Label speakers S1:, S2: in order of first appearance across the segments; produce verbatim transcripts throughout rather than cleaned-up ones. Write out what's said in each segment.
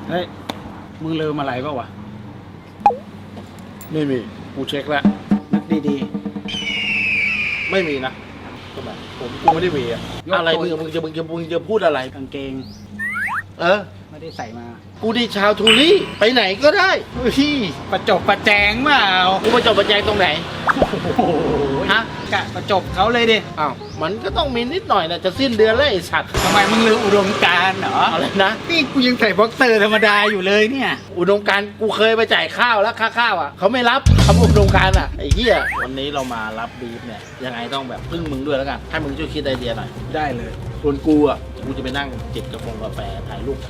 S1: เฮ้ยมึงลืมอะไรเปล่าวะ
S2: ไม่มีกูเช็คแล้ว
S1: นึกดี
S2: ไม่มีนะทำไมผมกูไม่ได้มีอะอะไรมึงมึงจะมึงจะมึงจะพูดอะไร
S1: ๆกางเกง
S2: เออ
S1: ไม่ได้ใส่มา
S2: กูดีชาวทูรี่ไปไหนก็ได้พี่
S1: ประจบประแจงเปล่า
S2: กูมาจบประแจงตรงไหน
S1: โอ้โห
S2: ฮะ
S1: กะประจบเขาเลยดิ
S2: อ้าวมันก็ต้องมีนิดหน่อยนะจะสิ้นเดือนแล้วไอ้สัตว์
S1: ทำไมมึงลืมอุดมการณ์เหรอ
S2: อะไรนะ
S1: นี่กูยังใส่บ็อกเซอร์ธรรมดาอยู่เลยเนี่ย
S2: อุดมการณ์กูเคยไปจ่ายข้าวแล้วค่าข้าวอ่ะเขาไม่รับคำอุดมการณ์อ่ะไอ้เหี้ยวันนี้เรามารับบีฟเนี่ยยังไงต้องแบบพึ่งมึงด้วยแล้วกันให้มึงช่วยคิดไอเดียหน่อย
S1: ได้เลย
S2: ส่วนกูอ่ะกูจะไปนั่งจิบกาแฟกาแฟถ่ายรูป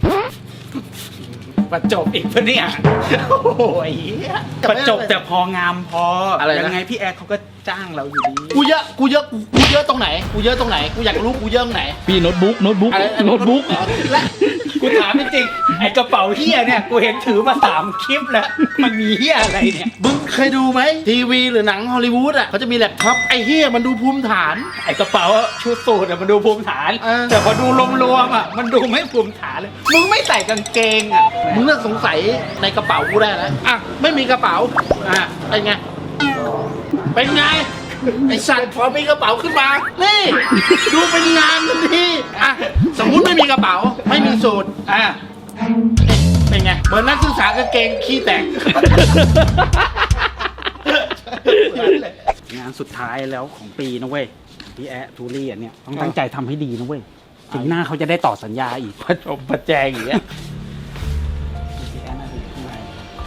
S1: ประจบอีกปะเนี่ยโอ้โหไอ้เหี้ยประจบแต่พองามพออะไรยังไงพี่แอร์เขาก็จ้างเราอยู่ดี
S2: กูเยอะกูเยอะกูกูเยอะตรงไหนกูเยอะตรงไหนกูอยากรู้กูเยอะตรงไหน
S3: พี่โน้ตบุ๊กโน้ตบุ๊ก
S2: อะไร
S3: โน้ตบุ๊ก
S2: และ
S1: กูถามจริงๆไอ้กระเป๋าเฮียเนี่ยกูเห็นถือมาสามคลิปแล้วมันมีเฮียอะไรเนี่ย
S2: มึงเคยดูไหมทีวีหรือหนังฮอลลีวูดอ่ะเขาจะมีแล็ปท็อปไอ้เฮียมันดูภูมิฐาน
S1: ไอ้กระเป๋าชุดสูทอะมันดูภูมิฐาน
S2: เออ
S1: แต่พอดูรวมๆอะมันดูไม่ภูมิฐานเลยมึงไม่ใส่กางเกงอะ
S2: มึงเลือกสงสัยในกระเป๋ากูได้แล้วอ่ะไม่มีกระเป๋าอ่ะเป็นไงเป็นไงไอ้สัตว์พอมีกระเป๋าขึ้นมานี่ดูเป็นงานทันทีอ่ะสมมุติไม่มีกระเป๋าไม่มีสูตร
S1: อ่ะ
S2: เป็นไงเหมือนนักศึกษากางเกงขี้แตก
S1: งานสุดท้ายแล้วของปีนะเว้ยพี่แอะทูรี่อันเนี้ยต้องตั้งใจทำให้ดีนะเว้ยถึงหน้าเขาจะได้ต่อสัญญาอีก
S2: ประจบประแจงอย่างเงี้ย
S1: พี่แอะน่าจะอยู่ข้างใน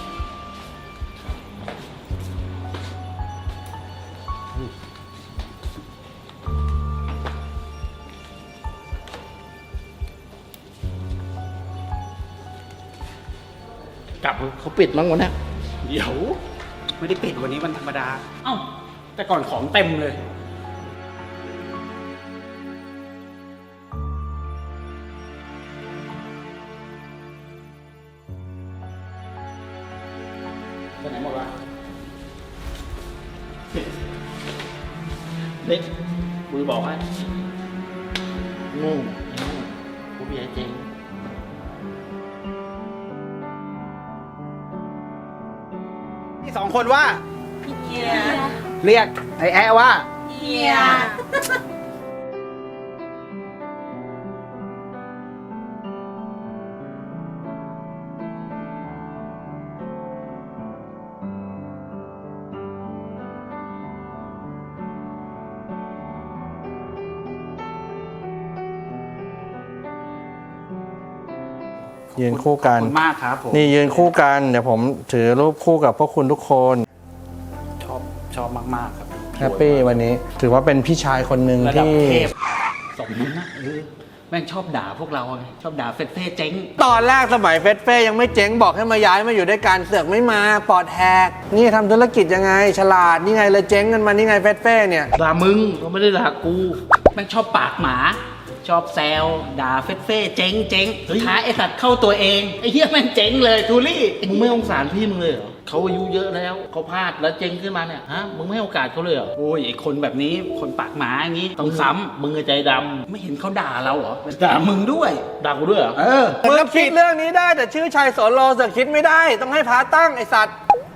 S2: กลับเขาปิดมั้งวันนี้
S1: เดี๋ยวไม่ได้ปิดวันนี้วันธรรมดาเอ้าแต่ก่อนของเต็มเลยไปไหนหมดวะ
S2: นี่กูบอกให้งงกูเบียร์เจง
S1: ที่สองคนว่า
S4: เฮีย
S1: เรียกไอ้แอะว่า
S4: เฮีย
S5: ยืนคู่กั
S1: ขอน บคุณมากครับผม
S5: นี่ยืนคู่กันเดี๋ยวผมถือรูปคู่กับพวกคุณทุกคน
S1: ชอบชอบมากๆครับ
S5: แฮปปี้วันนี้ ถือว่าเป็นพี่ชายคนหนึ่ง
S1: ระดับ
S5: ที่
S1: เทพสมนั้นนะเออแม่งชอบด่าพวกเราไงชอบด่าเฟซเฟ่เจ๊ง
S5: ตอนแรกสมัยเฟสเฟ่ยังไม่เจ๊งบอกให้มาย้ายมาอยู่ด้วยกันเสือกไม่มาปอดแหกนี่ทำธุรกิจยังไง ฉลาดนี่ไงเลยเจ๊งกันมานี่ไงเฟสเฟ่เนี่ย
S2: ด่ามึงเขาไม่ได้ด่ากู
S1: แม่งชอบปากหมา ชอบแซวด่าเฟซเฟ่เจ๊งเจ๊งสุดท้ายไอ้สัตว์เข้าตัวเองไอ้เหี้ยแม่งเจ๊งเลยทูลี่
S2: มึงไม่สงสารพี่มึงเลยเหรอเขาอายุเยอะแล้วเขาพลาดแล้วเจ๊งขึ้นมาเนี่ยฮะมึงไม่ให้โอกาสเขาเลยเหรอ
S1: โอ้ยไอ้คนแบบนี้คนปากหมาอย่างนี้ต้องซ้ำ
S2: มึงใจด
S1: ไม่เห็นเขาด่าเราเหรอด่ามึงด้วย
S2: ำด่ากูด้วยเหรอ
S1: เออ
S5: มึงคิดเรื่องนี้ได้แต่ชื่อชัยสอนโลเสือกคิดไม่ได้ ต้องให้พาตั้งไอสัตว์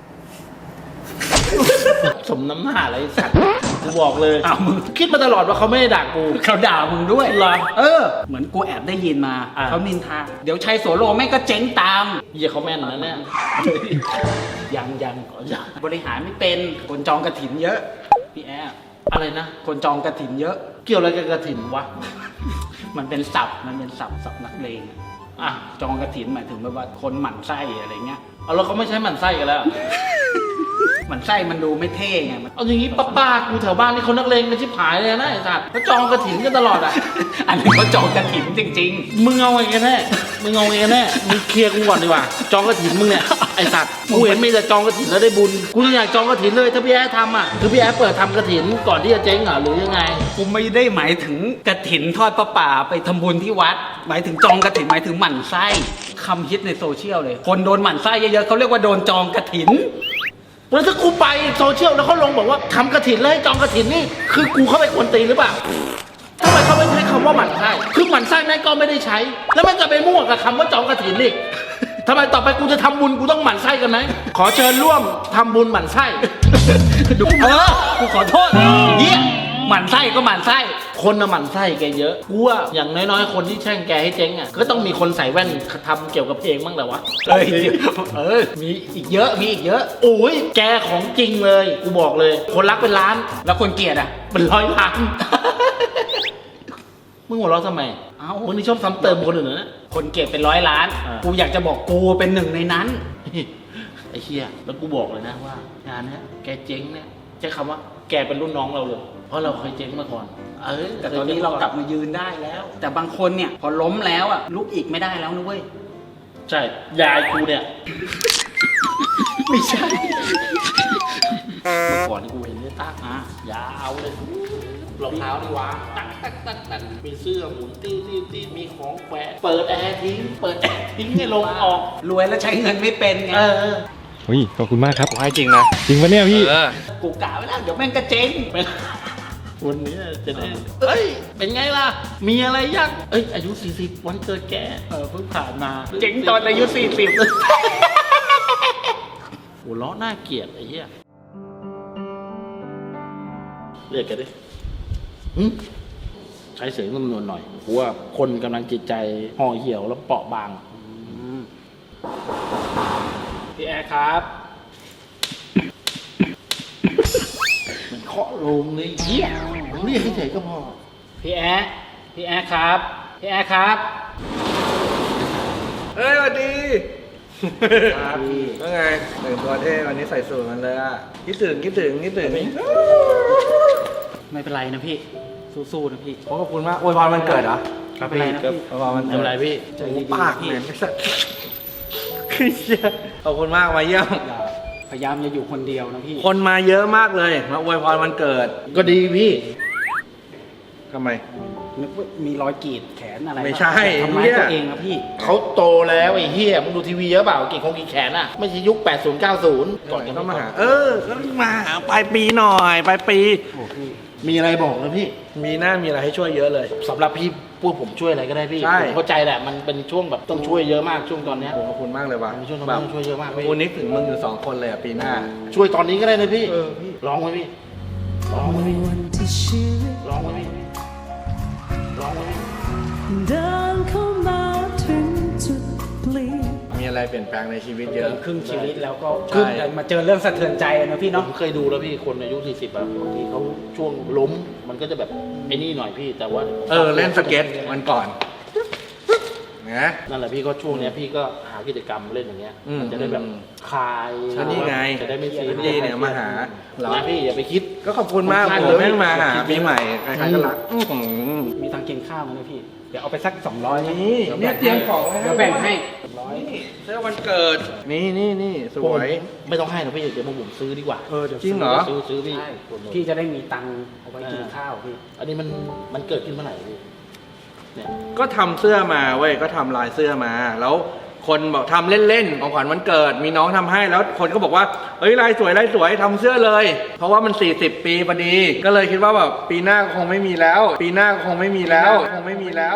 S2: สมน้ำหน้าอะไรไอ้สัตว์กูบอกเลย
S1: อ้าวมึง
S2: คิดมาตลอดว่าเขาไม่ได้ด่ากู
S1: เขาด่ามึงด้วย
S2: เหรอ
S1: เออ เหมือนกูแอบได้ยินมา
S2: อ่ะ
S1: เขานินทาเดี๋ยวชัยโสโลแม่งก็เจ๊งตาม
S2: เหี้ยเขาแม่นนะเนี่ย
S1: ยังยัง
S2: อ๋อยัง
S1: บริหารไม่เป็นคนจองกระถินเยอะพี่แอร์
S2: อะไรนะ
S1: คนจองกระถินเยอะ
S2: เกี่ยวอะไรกับกระถิ่นวะ
S1: มันเป็นศัพท์มันเป็นศัพท์ศัพท์นักเลงอ่ะจองกระถินหมายถึงแบบว่าคนหมั่นไส้อะไรเงี้ย
S2: เอาแล้วเขาไม่ใช้หมันไส้กันแล้ว
S1: หมั่นไส้มันดูไม่เท่ไงมัน
S2: เอาอย่างงี้ป้าป้ากูแถวบ้านนี่เขานักเลงกันชิบหายเลยนะไอ้สัตว์เขาจองกระถิ่นกันตลอดอ่ะ
S1: อันนี้เขาจองกระถินจริง
S2: มึงเอาไงกันแน่มึงเอาไงกันแน่มึงเคลียร์กูก่อนดีกว่าจองกระถิ่นมึงเนี่ยไอ้สัตว์กูเห็นมีแต่จองกระถิ่นแล้วได้บุญกูยังอยากจองกระถิ่นเลยถ้าพี่แอ๊ทำอ่ะคือพี่แอ๊เปิดทำกระถิ่นก่อนที่จะเจ๊งเหรอหรือยังไง
S1: ๆกูไม่ได้หมายถึงกระถินทอดประป่าไปทำบุญที่วัด หมายถึงจองกระถินหมายถึงหมั่นไส้คำฮิตในโซเชียลเลย คนโดนหมั่นไส้เยอะๆเขาเรียกว่าโดนจองกระถิน
S2: แล้วถ้ากูไปโซเชียลแล้วเขาลงบอกว่าทำกระถินเลยจองกระถินนี่คือกูเข้าไปกวนตีนหรือเปล่าทำไมเขาไม่ใช้คำว่าหมั่นไส้คือหมั่นไส้แม่งก็ไม่ได้ใช้ แล้วมันก็ไปมั่วกับคำว่าจองกระถินอีกทำไมต่อไปกูจะทำบุญกูต้องหมั่นไส้กันไหมขอเชิญร่วมทำบุญหมั่นไส้
S1: ดูเออกูขอโทษเฮียหมั่นไส้ก็หมั่นไส้
S2: คนน่ะหมั่นไส้แกเยอะกูว่าอย่างน้อยๆคนที่แช่งแกให้เจ๊งอ่ะก็ต้องมีคนใส่แว่นทำเกี่ยวกับเพลงบ้างแหละวะ
S1: เอ้ยเออมีอีกเยอะมีอีกเยอะ
S2: โอ้ยแกของจริงเลยกูบอกเลย คนรักเป็นล้าน
S1: แล้วคนเกลียดอ่ะ
S2: เป็นร้อยล้าน มึงหัวเราะทำไม
S1: เอ้า
S2: มึงนี่ชอบซ้ำเติมคนอื่นนะ
S1: คนเกลียดเป็นร้อยล้าน
S2: อ่ากู
S1: กูอยากจะบอกกูเป็นหนึ่งในนั้น
S2: ไอ้เชี่ยแล้วกูบอกเลยนะว่างานเนี้ยแกเจ๊งเนี่ยใช้คำว่าแกเป็นรุ่นน้องเราเลย เพราะเราเคยเจ๊งมาก่อนเออ
S1: แต่ตอนนี้เรากลับมายืนได้แล้ว แต่บางคนเนี่ยพอล้มแล้วอ่ะลุกอีกไม่ได้แล้วนะเว้ย
S2: ใช่ยายกูเนี่ย
S1: ไม่ใช่
S2: เมื่อก่อนกูเห็นเนี่ยตากอ่ะยาวเลยรองเท้านี่วางตักตักตักตักมีเสื้อหมุนตี้ตี้ตี้มีของแขวนเปิดแอร์ทิ้งเปิดแอร์ทิ้งให้ลมออก
S1: รวยแล้วใช้เงินไม่เป็นไง
S2: เออ
S3: อุ้ยขอบคุณมากครับ
S5: ผมให้จริงนะ
S3: จริงปะเนี่ยพี่
S5: เออ
S1: กูกะไว้แล้วเดี๋ยวแม่งกระเจ๊ง
S2: วันนี้จะได้เอ้ย เป็นไงล่ะ มีอะไรยังเอ้ย อายุ สี่สิบ วันเกิดแก เออ เพิ่งผ่านมา
S1: เจ๊งตอนอายุสี่สิบ
S2: หัวล้อหน้าเกลียดไอ้เหี้ย เรียกแกดิหึใช้เสียงนุ่มนวลหน่อยเพราะว่าคนกำลังจิตใจห่อเหี่ยวแล้วเปราะบาง
S1: พี่แอร์ครับ
S2: มันเคาะโลงเลยเหี้ยเรียกเฉยๆก็พอ
S1: พี่แอร์พี่แอร์ครับพี่แอร์ครับ
S5: เฮ้ยสวัสดีครับว่าไงแต่งตัวเท่วันนี้ใส่สูทมันเลยอ่ะคิดถึงคิดถึงคิดถึง
S1: ไม่เป็นไรนะพี่สู้ๆนะพี่
S5: ขอบคุณมากอวยพรวันเกิดเหรอ
S1: ไม่เป็นไรนะพี่
S5: อวยพรวัน
S2: ไม่
S5: เกิ
S2: เป็น
S5: ด
S2: ไรพี่
S1: ใจดีๆ
S5: ปาก
S1: พี่
S5: เหม็นสัสคือเชี่ยขอบคุณมากมาเยี่ยม
S1: อย่าพยายามจะอยู่คนเดียวนะพี่
S5: คนมาเยอะมากเลยมาอวยพรวันเกิด
S2: ก็ดีพี่
S5: ทำไม
S1: นึกว่ามีรอยกรีดแขนอะไร
S5: ไม่ใช่
S1: ทำร้าย
S5: เนี่ย
S1: ตัวเองนะพี่
S2: เขาโตแล้วไอ้เฮียมึงดูทีวีเยอะเปล่ากี่คงกี่แขนอ่ะ ไม่ใช่ยุค แปดสิบ เก้าสิบ ก่อนกัน
S5: ก็มาหา เออ ก็มาหาปลายปีหน่อยปลายปี
S1: โอ้พี่
S2: มีอะไรบอกนะพี่
S5: มีหน้ามีอะไรให้ช่วยเยอะเลย
S2: สำหรับพี่พวกผมช่วยอะไรก็ได้พี่
S5: ใช่
S2: ผมเข้าใจแหละมันเป็นช่วงแบบต้องช่วยเยอะมากช่วงตอนเนี้ย
S5: ขอบคุณมากเลยว่ะ
S2: มันช่วย
S5: แบ
S2: แบบ
S5: บ
S2: ช่วยเยอะมากพี่
S5: กูนึกถึงมึงอยู่สองคนเลยอ่ะปีหน้า
S2: ช่วยตอนนี้ก็ได้นะพี่
S5: เออพี่
S2: ร้องไว้พี่ร้องไว้พี่ร้องไว้พี่ร้องไว้พี่
S4: เดินเข้ามาถึงจุดเปลี่ยน
S5: มีอะไรเปลี่ยนแปลงในชีวิตเย
S1: เกิ
S5: อะ
S1: นครึ่งชีวิตแล้วก็
S5: ใช่
S1: มาเจอเรื่องสะเทือนใจนะพี่
S2: ผ
S1: เนาะ
S2: มเคยดูแล้วพี่คนอายุสี่สิบแบบบางทีเขาช่วงล้มมันก็จะแบบไอ้นี่หน่อยพี่แต่ว่า
S5: เออ เล่นสเก็ตวันก่อนนะ
S2: นั่นแหละพี่ก็ช่วงเนี้ยพี่ก็หากิจกรรมเล่นอย่างเงี้ย
S5: อืม
S2: มันจะได้แบบ
S5: อืม
S2: คลาย
S5: ก็นี่ไง
S2: จะได้ไม่ซี
S5: พี่เนี่ยมาหาเหรอ
S2: นะพี่อย่าไปคิด
S5: ก็ขอบคุณมาก
S2: ขอบ
S5: ผ
S2: คุณ
S5: มแม่งมาหา
S2: ขอบคุณ
S5: ปีใหม่ใครๆก็รักอื้อหือ
S1: มีตังค์กินข้าวไหมเนี่ยพี่ เดี๋ยวเอาไปสักสองร้อย
S5: นี่เนี่ยเตรียมของไว้ให้
S1: เดี๋ยวแบ่งให้ร้อย
S5: เสื้อวันเกิด นี่นี่นี่ส
S2: ผม
S5: วย
S2: ไม่ต้องให้นะพี่เดี๋ยวผมซื้อดีกว่า
S1: เออเดี๋ยว
S5: จริงเหรอ
S2: ซื้อซื้อพี่
S1: ใช่พี่จะได้มีตังค์เอาไว้กินข้าวพี่
S2: อันนี้มันมันเกิดขึ้นเมื่อไหร่พี่เนี่ย
S5: ก็ทำเสื้อมาเว้ยก็ทำลายเสื้อมา แล้วคนบอกทำเล่นๆของขวัญวันเกิด มีน้องทำให้แล้วคนก็บอกว่าเฮ้ยลายสวยลายสวยทำเสื้อเลย เพราะว่ามันสี่สิบปีพอดี ก็เลยคิดว่าแบบปีหน้าก็คงไม่มีแล้ว ปีหน้าก็คงไม่มีแล้วคงไม่มีแล้ว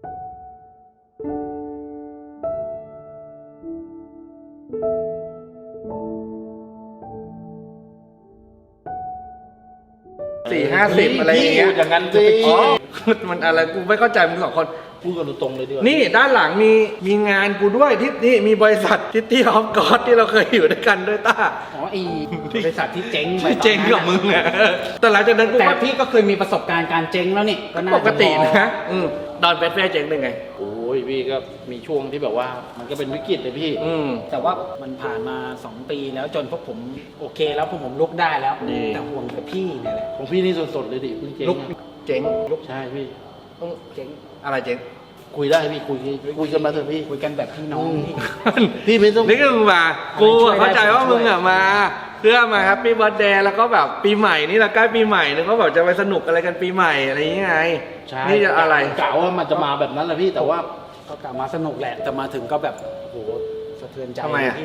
S5: สี่ห้าสิบอะไรอย่างเงี้ย
S2: พูดอย่างนั้นสิ
S5: อ๋อมันอะไรกูไม่เข้าใจมึงสองคน
S2: พูดกันตรงๆเลยดีกว่า
S5: นี่ด้านหลังมีมีงานกูด้วยที่นี่มีบริษัททิตตี้ออฟกอดที่เราเคยอยู่ด้วยกันด้วยต้า
S1: อ๋อไอีบริษัทที่เจ๊งไป
S5: ที่เจ๊งกับมึงอ่ะแต่หลังจากนั้นกู
S1: แต่
S5: ก็
S1: พี่ก็เคยมีประสบการณ์การเจ๊งแล้วนี่ก็น่า
S5: ป
S1: จะ
S5: กติ
S1: พอ
S5: นะอืมตอนเฟสเฟ่เจ๊งเป็นไง
S2: โอ้ยพี่ก็มีช่วงที่แบบว่ามันก็เป็นวิกฤตเลยพี่
S5: อืม
S1: แต่ว่ามันผ่านมาสองปีแล้วจนพวกผมโอเคแล้วพวกผมลุกได้แล้ว
S5: ดี
S1: แต่ห่วงแต่พี่เนี่ยแหละ
S2: ของพี่นี่สดๆเลยดิเพิ่งเจ๊ง
S5: ลุก
S2: อะ
S5: เจ๊งลุก
S2: ใช่พี่
S5: ต้องเจ๊งอะไรเจ๊ง
S2: คุยได้พี่คุยคุยกันมาเถอะพี่
S1: คุยกันแบบพี่น้องพี่
S2: พี่ไม่ต้อง
S5: นี่ก็มึงมากูอะเข้าใจว่ามึงอ่ะมา เพื่อมาแฮปปี้เบิร์ดเดย์แล้วก็แบบปีใหม่นี่เราใกล้ปีใหม่นึกว่าแบบจะไปสนุกอะไรกันปีใหม่อะไรอย่างเงี้ยไง
S2: ใช่
S5: นี่จะอะไร
S2: กะว่ามันจะมาแบบนั้นแหละพี่แต่ว่า
S1: ก็กลับมาสนุกแหละแต่มาถึงก็แบบโอ้โหสะเทือนใจ
S5: ทำไมอะ
S1: พี่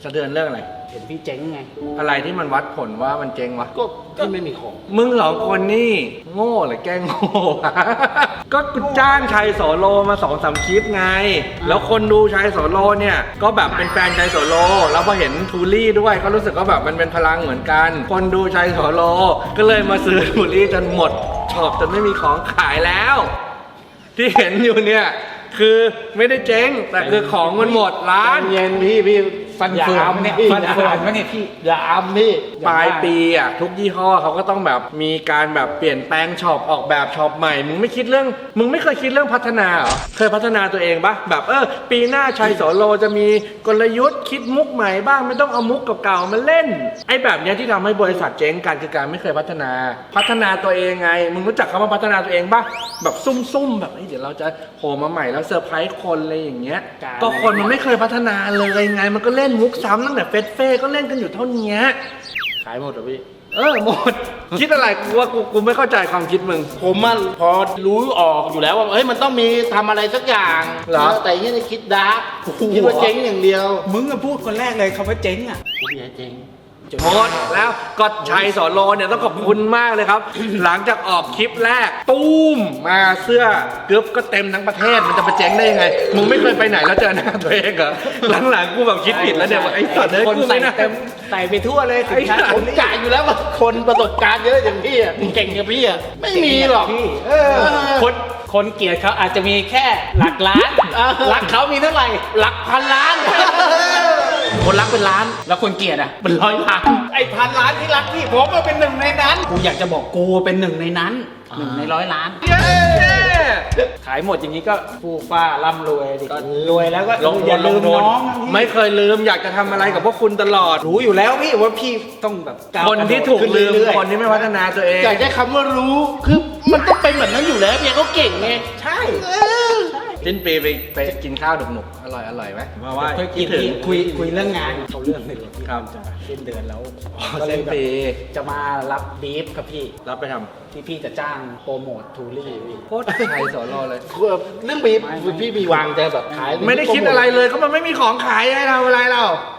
S5: สะเทือนเรื่องอะไร
S1: เห็นพี่เจ๊งไง
S5: อะไรที่มันวัดผลว่ามันเจ๊งวะ
S2: ก็ที่ไม่มีของ
S5: มึงสองคนนี่โง่หรือแกล้งโง่ วะ ก็กูจ้างชัยโสโลมาสองสามคลิปไง แล้วคนดูชัยโสโลเนี่ยก็แบบเป็นแฟนชัยโสโล แล้วพอเห็นทูลี่ด้วยก็รู้สึกว่าแบบมันเป็นพลังเหมือนกัน คนดูชัยโสโล ก็เลยมาซื้อทูลี่จนหมดช็อปจนไม่มีของขายแล้ว ที่เห็นอยู่เนี่ยคือไม่ได้เจ๊งแต่คือของมันหมดร้าน
S2: เย็นพี่พี่ฟัน
S1: อย่า
S2: เฟือ
S1: อำ
S2: น
S1: เนี่ย
S2: พี่
S1: ฟันเฟือนวะเนี่ยพี่
S2: อย่าอำพี่
S5: ปลายปีอ่ะทุกยี่ห้อเขาก็ต้องแบบมีการแบบเปลี่ยนแปลงช็อปออกแบบช็อปใหม่มึงไม่คิดเรื่องมึงไม่เคยคิดเรื่องพัฒนาเหรอเคยพัฒนาตัวเองปะแบบเออปีหน้าชัยโสโลจะมีกลยุทธ์คิดมุกใหม่บ้างไม่ต้องเอามุกเก่าๆมาเล่นไอ้แบบเนี้ยที่ทำให้บริษัทเจ๊งกันคือการไม่เคยพัฒนา พัฒนาตัวเองไงมึงรู้จักคำว่าพัฒนาตัวเองปะแบบซุ่มๆแบบเฮ้ยเดี๋ยวเราจะโผล่มาใหม่แล้วเซอร์ไพรส์คนอะไรอย่างเงี้ยก็คนมันไม่เคยพัฒนาเลยไงมันก็เล่นมุกซ้ำตั้งแต่เฟสเฟ่ก็เล่นกันอยู่เท่านี้
S2: ขายหมดเหรอพี่
S5: เออหมด คิดอะไรกูว่ากูกูไม่เข้าใจความคิดมึง
S2: ผมมันพอรู้ออกอยู่แล้วว่าเฮ้ยมันต้องมีทำอะไรสักอย่าง
S5: เหรอ
S2: แต่ยี่นี่คิดดาร์กคิดว่าเจ๊งอย่างเดียว
S1: มึงอะพูดคนแรกเลยคำว่าเจ๊งอะ
S2: ผมอยากเจ๊ง
S5: หมดแล้วก็ชัยโสโลเนี่ยต้องขอบคุณมากเลยครับ หลังจากออกคลิปแรกตุ้มมาเสื้อกึ๊บก็เต็มทั้งประเทศมันจะไปเจ๊งได้ยังไงมึงไม่เคยไปไหนแล้วเจอหน้าตัวเองเหรอหลังๆกูแบบคิดผิดแล้วเนี่ยว่าไอ้สัตว์เลย
S1: คน
S5: กู
S1: ใส่
S5: ไม่น่า
S1: เต็มใส่ไปทั่วเลยสินค้า
S2: ผมกะอยู่แล้วว่าคนประสบการณ์เยอะอย่างพี่อ่ะเก่งอย่างพี่อ่ะไม่มีหรอก
S1: พี่
S2: เออ
S1: คนคนเกลียดเขาอาจจะมีแค่หลักล้าน
S2: เออ
S1: รักเขามีเท่าไหร่
S2: หลักพันล้าน
S1: คนรักเป็นล้าน แล้วคนเกลียดอ่ะเป็นร้อยล้าน
S2: ไอ้พันล้านที่รักพี่ผมมาเป็นหนึ่งในนั้น
S1: กูอยากจะบอกกูเป็นหนึ่งในนั้นหนึ่งในร้อยล้าน
S5: เย้
S1: ขายหมดอย่างนี้ก็ฟูฟ้าร่ำรวยดิรวยแล้วก็
S5: ลง
S1: อย่าลืม
S5: ลง
S1: น้อง
S5: ไม่เคยลืมอยากจะทำอะไรกับพวกคุณตลอด
S1: รู้อยู่แล้วพี่ว่าพี่ต้องแบบก้าว
S5: คนที่ถูก
S1: ขึ้น
S5: ลืม
S1: เรื่อยๆ
S5: คนที่ไม่พัฒนาตัวเอง
S2: อยากได้คำว่ารู้คือมันต้องเป็นแบบนั้นอยู่แล้วเพียงเขาเก่งไง
S1: ใช่
S5: สิ้นปีไปไปกินข้าวหนุกๆอร่อยอร่อยไหมมาว่า
S1: คุย
S5: คิดถึง
S1: คุยคุยเรื่องงานเขาเรื่องหนึ่ง
S5: ครับ
S1: จะสิ้นเดือนแล้ว
S5: อ๋อ
S1: ก็เลย
S5: สิ้น
S1: แบบ
S5: ปี
S1: จะมารับบีฟครับพี่
S5: รับไปทำ
S1: ที่พี่จะจ้างโปรโมททูรี่พี่
S5: โคตรไทยสอนรอเลย
S2: เรื่องบีบพี่มีวางจะแบบขาย
S5: ไม่ได้คิดอะไรเลยก็มันไม่มีของขายให้เราอะไรเรา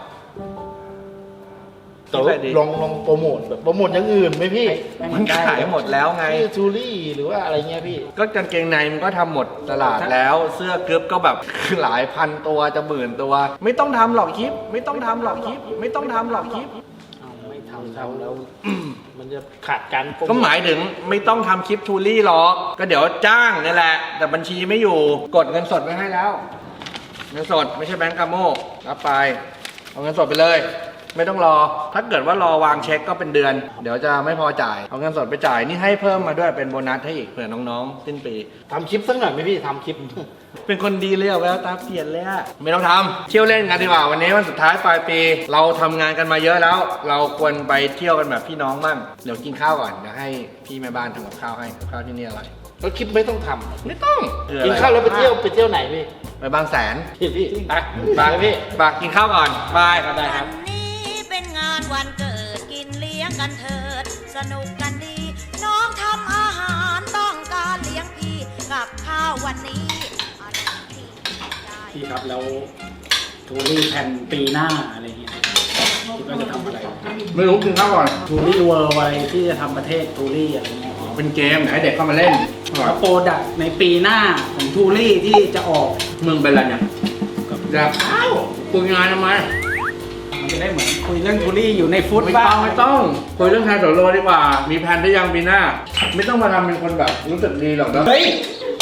S2: แต่ว่าลองลองโปรโมทแบบโปรโมทอย่างอื่นไหมพี่
S5: มันขายหมดแล้วไง
S2: ชื่อจูรี่หรือว่าอะไรเงี้ยพี่
S5: ก็กางเกงในมันก็ทำหมดตลาดแล้ว เสื้อกึ๊บก็แบบ หลายพันตัวจะหมื่นตัว ไม่ต้องทำหรอกคลิป ไม่ต้องทำหรอกคลิป ไม่ต้องทำหรอกคลิป
S1: เอาไม่ทำแล้วแล้ว
S2: มันจะขาดการโปรโท
S5: ก็หมายถึงไม่ต้องทำคลิปทูรี่หรอก ก็เดี๋ยวจ้างนี่แหละ แต่บัญชีไม่อยู่ กดเงินสดไว้ให้แล้ว เงินสดไม่ใช่แบงก์กาโมรับไป เอาเงินสดไปเลย ไม่ต้องรอ ถ้าเกิดว่ารอวางเช็คก็เป็นเดือน เดี๋ยวจะไม่พอจ่าย เอาเงินสดไปจ่าย นี่ให้เพิ่มมาด้วยเป็นโบนัสให้อีกเผื่อน้องๆ สิ้นปี
S2: ทำคลิปสักหน่อยไหมพี่ทำคลิป
S5: เป็นคนดีเลยอะแววตาเปลี่ยนเลยอะไม่ต้องทำเที่ยวเล่นกันดีกว่าวันนี้วันสุดท้ายปลายปี เราทำงานกันมาเยอะแล้ว เราควรไปเที่ยวกันแบบพี่น้องบ้างเดี๋ยวกินข้าวก่อนเดี๋ยวให้พี่แม่บ้านทำกับข้าวให้กับข้าวที่นี่อร่อย
S2: แล้วคลิปไม่ต้องท
S5: ไม่ต้อง
S2: ำกินข้าวแล้วไปเที่ยวไปเที่ยวไหนพี่
S5: ไปบางแสน
S2: พี่พี่ไป
S5: บาง
S2: ไปพี่
S5: บางกินข้าวก่อนบาย
S2: ได้ครับ
S3: วันนี้เป็นงานวันเกิดกินเลี้ยงกันเถิด สนุกกันดี น้องทำอาหารต้องการเลี้ยงพี่กับข้าววันนี้อร่อยที่ใจ
S1: พี่ครับแล้วทูรี่แผ่นปีหน้าอะไรเงี้ยคิดว่าจะทำอะไร
S5: ไม่รู้กินข้าวก่อน
S1: ทูรี่เวิร์อะไรที่จะทำประเทศทูรี่อะไรเงี้ย
S5: เป็นเกมให้เด็กเข้ามาเล่น
S1: แล้วโปรดักต์ในปีหน้าของทูรี่ที่จะออก
S5: มึงเป็นอะไรเนี่ยอยากข้าวคุยงานทำไม
S1: มันจะได้เหมือนคุยเรื่องทูรี่อยู่ในฟุต
S5: ไม่
S1: บ้า
S5: ต้อง งไม่ต้องคุยเรื่องแทนโสโลดีกว่า มีแผนได้ยังปีหน้า ไม่ต้องมาทำเป็นคนแบบรู้สึกดีหรอกนะ
S1: เฮ้ย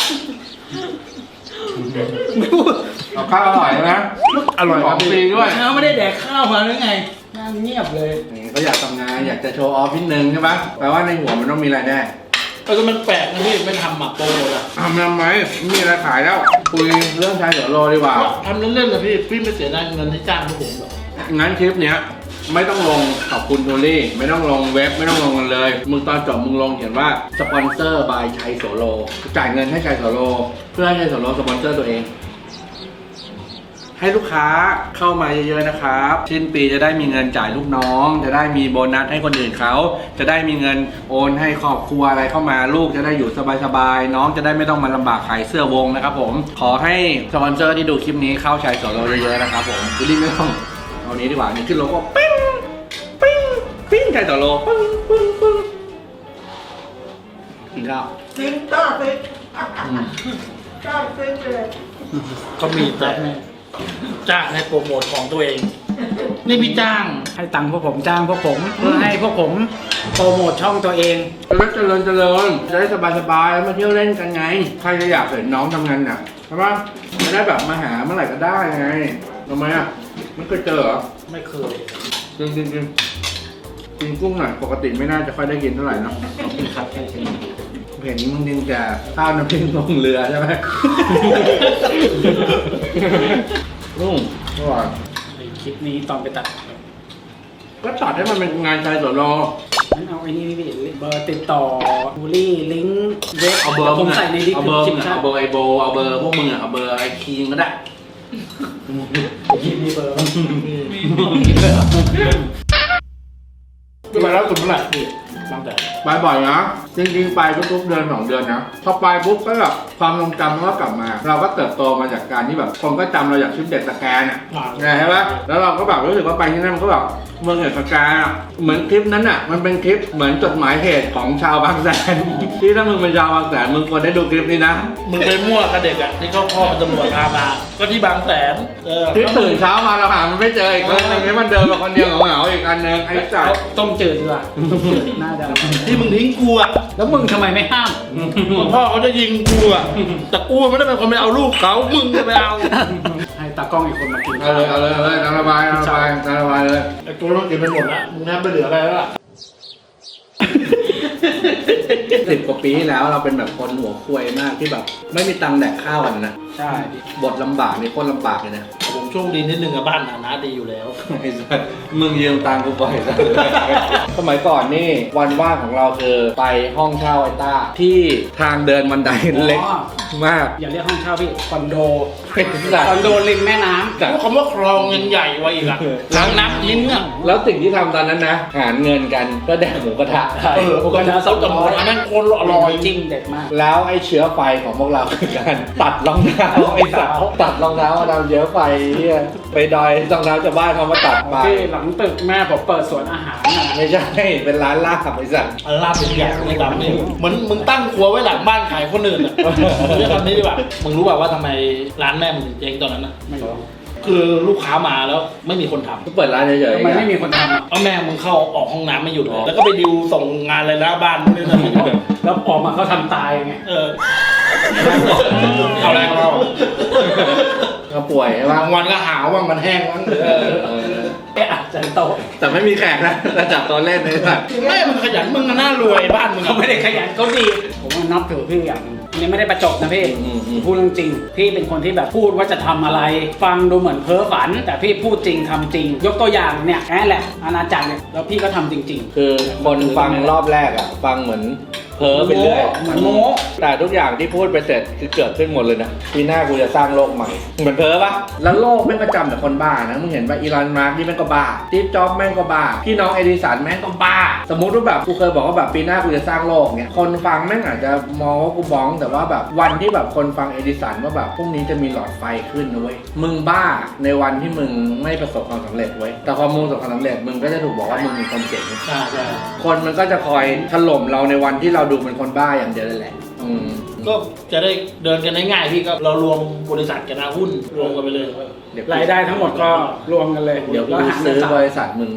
S5: เอาข้าวอร่อยนะอร่อยของฟรีด้วย
S1: เช้าไม่ได้แดกข้าวมาหรือไงนั่งเงียบเลย
S5: นี่ก็อยากทำงานอยากจะโชว์ออฟนิดนึงใช่ปะแปลว่าในหัวมันต้องมีรายได้
S2: เออมันแปลกนะพี่ไม่ทำหมักโปรโมทอะ
S5: ทำทำไมไม่มีอะไรขายแล้ว คุยเรื่องชายโสโลดีกว่า
S2: ทำเล่นๆเลยพี่พี่ไม่เสียดายเงินที่จ้างพวกผมหรอก
S5: งั้นคลิปเนี้ยไม่ต้องลงขอบคุณโทลี่ไม่ต้องลงเว็บไม่ต้องลงกันเลย มึงตอนจบมึงลงเขียนว่าสปอนเซอร์บายชัยโสโลจ่ายเงินให้ชัยโสโลเพื่อให้ชัยโสโลสปอนเซอร์ตัวเอง ให้ลูกค้าเข้ามาเยอะๆนะครับสิ้นปีจะได้มีเงินจ่ายลูกน้อง จะได้มีโบนัสให้คนอื่นเขาจะได้มีเงินโอนให้ครอบครัวอะไรเข้ามาลูกจะได้อยู่สบายๆน้องจะได้ไม่ต้องมาลำบากขายเสื้อวงนะครับผมขอให้สปอนเซอร์ที่ดูคลิปนี้เข้าชัยโสโลเยอะๆนะครับผมคุณรีบไม่ต้องเอานี้ดีกว่านี่ขึ้นโลก็ปิ้งปิ้งปิ้งใครต่อโลปึ้งปึ้งปึ้งกินข้าว
S2: กินต้าเซ็กต้าเซ็กเลยก็มีแต่จ้างให้โปรโมทของตัวเอง นี่พี่จ้าง
S1: ให้ตังค์พวกผมจ้างพวกผมเพื่อให้พวกผมโปรโมทช่องตัวเอง
S5: จะได้เจริญเจริญจะได้สบายสบายมาเที่ยวเล่นกันไงใครจะอยากเห็นน้องทำงานน่ะใช่ปะจะได้แบบมาหาเมื่อไหร่ก็ได้ไงทำไมอ่ะไม่เคยเจอเหรอ
S2: ไม่เคย
S5: จริงจริงจริงกินกุ้งหน่อยปกติไม่น่าจะค่อยได้กินเท่าไหร่เนาะ
S1: ครับใช่ใช่
S5: เห็นมึงกินแต่ข้าวน้ำพริกลงเรือใช่ไหม ลุงอร่อย
S1: ไอ้คลิปนี้ตอนไปตัด
S5: ก็ตัดให้มันเป็นงานชายสวนรอ
S1: งั้นเอาไอ้นี่พี่เบอร์ติดต่อบูลลี่ลิงก์เว็บ
S5: เอาเบอร์
S1: ผมใส่ในดิส
S5: เอา
S1: ค
S5: เบอร์
S1: ริ
S5: มึ
S1: ป
S5: งอะ
S1: ชั่น
S5: เอาเบอร์ไอโบเอาเบอร์พวกมึงอะเอาเบอร์ไอคีมก็ได้
S1: คลิปมีเบอร์
S2: ไปแล้วคุณเมื่อไหร่พี่บางแต่
S5: ไปบ่อยนะจริงๆไปทุกๆเดือนสองเดือนนะพอไปปุ๊บก็แบบความทรงจำมันก็กลับมา เราก็เติบโตมาจากการที่แบบคนก็จำเราอย่างชุดเด็กตะแกรงอ่ะใช่ปะแล้วเราก็แบบรู้สึกว่าไปที่นั่นมันก็แบบเมืองเด็กตะแกรงอะเหมือนคลิปนั้นอ่ะมันเป็นคลิปเหมือนจดหมายเหตุของชาวบางแสน ที่ถ้ามึงเป็นชาวบางแสนมึงควรได้ดูคลิปนี้นะ
S2: มึงไปมั่วกับเด็กอ่ะที่เขาพ่อเป็นตำรวจพามาก็ที่บางแสนเออ
S5: ที่ตื่นเช้ามาเราหามันไม่เจออีกคนนึงนี่มันเดินมาคนเดียวเหงาๆอีกอันนึงไอ้จ่า
S1: ต้มจืดดีกว่าต้มจืดน่าจะ
S2: ที่มึงทิ้งกูอ่ะ
S1: แล้วมึงทำไมไม่ห้าม
S2: พ่อเขาจะยิงกูอ่ะแต่กูไม่ได้เป็นคนไปเอาลูกเขามึงจะไปเอา
S1: ให้ตากล้องอีกคนมากิน
S5: เอาเลยเอาเลยเอาเลยน้ำระบายน้ำระบายน้ำระบายเลย
S2: ไอ้ตัวต้องกินไปหมดละมึงแทบไม่เหลืออะไรแล้วล่ะ
S5: สิบกว่าปีที่แล้วเราเป็นแบบคนหัวควยมากที่แบบ ไม่มีตังค์แดกข้าวกันนะ
S1: ใช่
S5: บทลำบากนี่โคตรลำบากเลยนะ
S2: ผมโชคดีนิดนึงอะบ้านฐานะดีอยู่แล้ว
S5: ไอ้สัสมึงยืมตังค์กูบ่อยสัสสมัยก่อนนี่วันว่างของเราคือไปห้องเช่าไอ้ต้าที่ทางเดินบันไดเล็กมาก
S1: อย่าเรียกห้องเช่าพี่คอนโด
S5: ไอ้สัส
S1: คอนโดริมแม่น้ำ
S2: พูดคำว่าคลองยังใหญ่กว่าอีกอะทางน้ำลิ้นอะ
S5: แล้วสิ่งที่ทำตอนนั้นนะหารเงินกันก็แดกหมูกระทะ
S2: เออโอ้โหเขาจะหมดอันนั้นโคนอร่อย
S1: จริงเด็ดมาก
S5: แล้วไอ้เชื้อไฟของพวกเราคือการตัดรองเท้าไอ้สาวตัดรองเท้ามาทำเชื้อไฟเนี่ยไปดอยรองเท้าชาวบ้านเขามาตัดไป
S1: พี่หลังตึกแม่ผมเปิดสวนอาหารน่ะ
S5: ไม่ใช่ เป็นร้านลาบไอ้สัส
S2: อันลาบเป็นใหญ่ในดำนี่เหมือนมึงตั้งครัวไว้หลังบ้านขายคนอื่นอะเรียกคำนี้ดีกว่ามึงรู้ป่าวว่าทำไมร้านแม่มึงถึงเจ๊งตอนนั้นนะ
S1: ไม่รู้
S2: คือลูกค้ามาแล้วไม่มีคนทำ
S5: ก็เปิดร้านเฉยๆ
S1: ทำไมไม่มีคนทำอ่ะ
S2: เอาแม่มึงเข้าออกห้องน้ำไม่หยุดเลยแล้วก็ไปดิวส่งงานอะไรหน้าบ้านนี่นะ
S1: แล้วออกมาเขาทำตายไง
S2: เออเอาแรงเรา
S5: ก็ป่วยใช่ปะ
S2: บางวันก็หาวบางวันแห้งบ้าง
S5: เออเออ
S1: เอ๊ะอาจจะโตะ
S5: แต่ไม่มีแขกนะระดับตอนเล่นเลยสัส
S2: แม่มึงขยันมึงก็น่ารวยบ้านมึง
S1: เขา
S2: อะ
S1: ไม่ได้ขยันเขาดี ผมว่านับถือพี่อย่างหนึงนี่ไม่ได้ประจบนะพี่
S5: อืมอืม
S1: พูดเรื่องจริง พี่เป็นคนที่แบบพูดว่าจะทำอะไร ฟังดูเหมือนเพ้อฝัน แต่พี่พูดจริงทำจริง ยกตัวอย่างเนี่ยแอนแหละอาณาจักรเนี่ยแล้วพี่ก็ทำจริง
S5: คือคนฟังรอบแรกอ่ะ ฟังเหมือนเพ้อไปเรื่อย
S1: เหมือนโม้
S5: แต่ทุกอย่างที่พูดไปเสร็จคือเกิดขึ้นหมดเลยนะปีหน้ากูจะสร้างโลกใหม่เหมือนเพ้อปะแล้วโลกแม่งก็จำแต่คนบ้านะมึงเห็นว่าอีลอนมาร์กนี่แม่งก็บ้าสตีฟจ็อบส์แม่งก็บ้าพี่น้องเอดิสันแม่งก็บ้า สมมติว่าแบบกูเคยบอกว่าแบบปีหน้ากูจะสร้างโลกเนี่ยคนฟังแม่งอาจจะมองว่ากูบ้องแต่ว่าแบบวันที่แบบคนฟังเอดิสันว่าแบบพรุ่งนี้จะมีหลอดไฟขึ้นนะเว้ยมึงบ้าในวันที่มึงไม่ประสบความสำเร็จเว้ยแต่พอมึงประสบความสำเร็จมึงก็จะถูกบอกว่ามึงมีคนเก่ง
S2: ใช่ใช่
S5: คนมันก็จะคอยถล่มเราในวันที่เราดูเป็นคนบ้าอย่างเดียวเลยแหละ อืม
S2: ก็จะได้เดินกันได้ง่ายพี่ก็เรารวมบริษัทกันนะหุ้นรวมกันไปเลย
S5: เดี๋ยว
S1: ๆ รายได้ทั้งหมดก็รวมกันเลย
S5: เดี๋ยวกู
S1: แล้วหาร
S5: ซื้อ
S1: กัน
S5: บริษัทมึง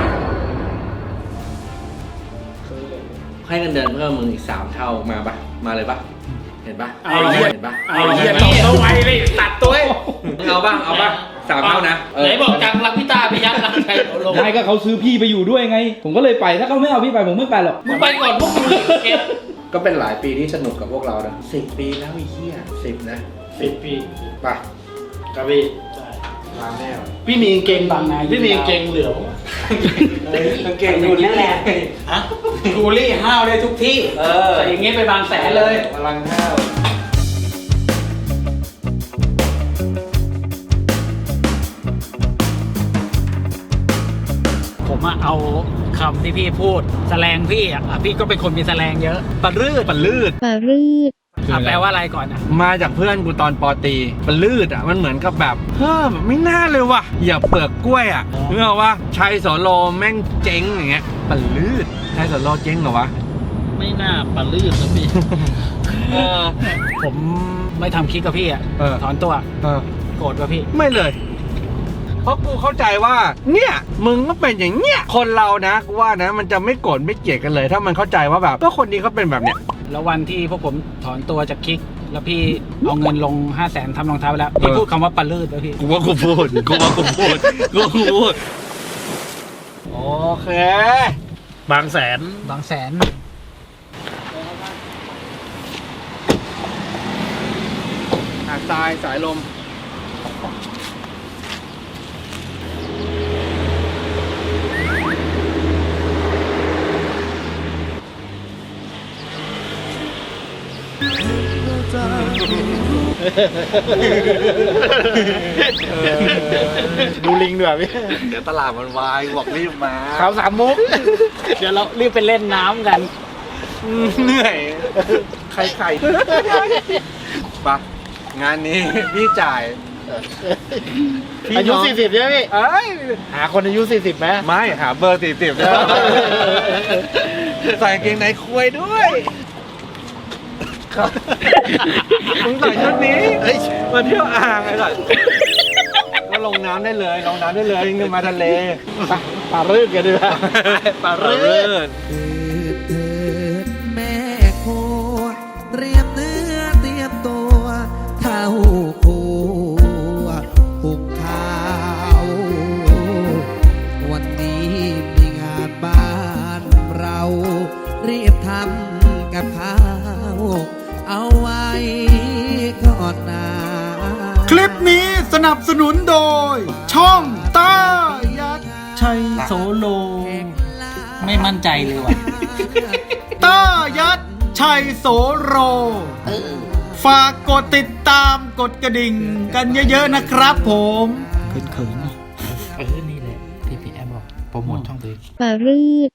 S5: ให้เงินเดือนเพิ่มมึงอีกสามเท่ามาปะมาเลยปะเห็นปะ
S1: ไอ้เหี้ย
S5: เห็นปะ
S1: ไอ้เหี้ยตบเอาไว้เลยตัดตัวเอง
S5: เอาบ้างเอาบ้างสามเท่านะเ
S2: ไหนบอกจังรักพี่ตาไปยัดรักใครเอาลง
S6: ไม่ก็เขาซื้อพี่ไปอยู่ด้วยไง ผมก็เลยไป ถ้าเขาไม่เอาพี่ไปผมไม่ไปหรอก
S2: มึงไปก่อนพวกมึงเก็บ
S5: ก็เป็นหลายปีที่สนุกกับพวกเรานะสิบปีแล้วไอ้เหี้ยสิบนะ
S2: สิบปี
S5: ไป
S2: ครับพี่ใช่
S5: ลาแน่ว
S2: พี่มีกางเกงบางไงพี่มีกางเกงเหลือง
S1: กางเกงอยู่นั่นแหละ
S2: ฮะ
S1: ทูรี่ห้าวได้ทุกที่
S5: เออ
S1: ใส่อย่างงี้ไปบางแสนเลย
S5: พลังห้าว
S1: ผมอะเอาคำที่พี่พูดแสลงพี่อะอ่ะพี่ก็เป็นคนมีแสลงเยอะปะรืดปะลืด
S7: ปารืด
S1: อ่ะแปลว่าอะไรก่อนอ่ะ
S5: มาจากเพื่อนกูตอนปอตรีมันลืดอ่ะมันเหมือนกับแบบเฮ้อแบบไม่น่าเลยว่ะอย่าเปลือกกล้วยอ่ะเมื่อว่าชัยโสโลแม่งเจ๊งอย่างเงี้ยมันลืดชัยโสโลเจ๊งเหรอวะ
S2: ไม่น่าปลาลื่นนะพี่
S5: เออ
S1: ผมไม่ทำคลิกกับพี่อ่ะ
S5: เออ
S1: ถอนตัว
S5: เออ
S1: โกรธกับพี่
S5: ไม่เลย เพราะกูเข้าใจว่า เนี่ยมึงก็เป็นอย่างเงี้ยคนเรานะกูว่านะมันจะไม่โกรธไม่เกลียดกันเลย ถ้ามันเข้าใจว่าแบบก็คนนี้เขาเป็นแบบเนี้ย
S1: แล้ววันที่พวกผมถอนตัวจากคลิก แล้วพี่เอาเงินลงห้าแสนทำรองเท้าไปแล้ว พี่
S5: เออ
S1: พูดคำว่าปลาลืดแล้วพี่
S5: กูว่ากูพูดกูว่ากูพูดกูพูดโอเค
S2: บางแสน
S1: บางแสน
S5: หาดทรายสายลม
S2: ดูลิงด้วยพี่
S5: เดี๋ยวตลาดมันวายบอกรีบมา
S2: เขาสามมุก
S1: เดี๋ยวเรารีบไปเล่นน้ำกัน
S5: เหนื่อยใครใครปะงานนี้พี่จ่าย
S2: อายุสี่สิบใช่ไหมพี่
S5: เอ้ย
S2: หาคนอายุสี่สิบไหม
S5: ไม่หาเบอร์สี่สิบใส่กางเกงในคุยด้วยมึงใส่ชุดนี้มาเที่ยวอ่างไอ้สัสก็ลงน้ำได้เลยลงน้ำได้เลยเงินมาทะเล
S2: ปลาลื่นกันดีกว่า
S5: ปลาเรื่อน
S7: เถิดแม่โคเตรียมเนื้อเตรียมตัวเท่าผัวหุงข้าววันนี้มีงานบ้านเรารีบทำกับข้าวเอาไว้ก่อนนา
S8: คลิปนี้สนับสนุนโดย ช่องต้ายัดชัยโสโล
S1: ไม่มั่นใจเลยว่ะ
S8: ต้ายัดชัยโสโร ฝากกดติดตามกดกระดิ่งกันเยอะๆนะครับผม
S1: เขินๆ
S2: เออ นี่แหละที่พี่แอมบอกโปรโมทช่องตัวเอง
S9: ปลารืด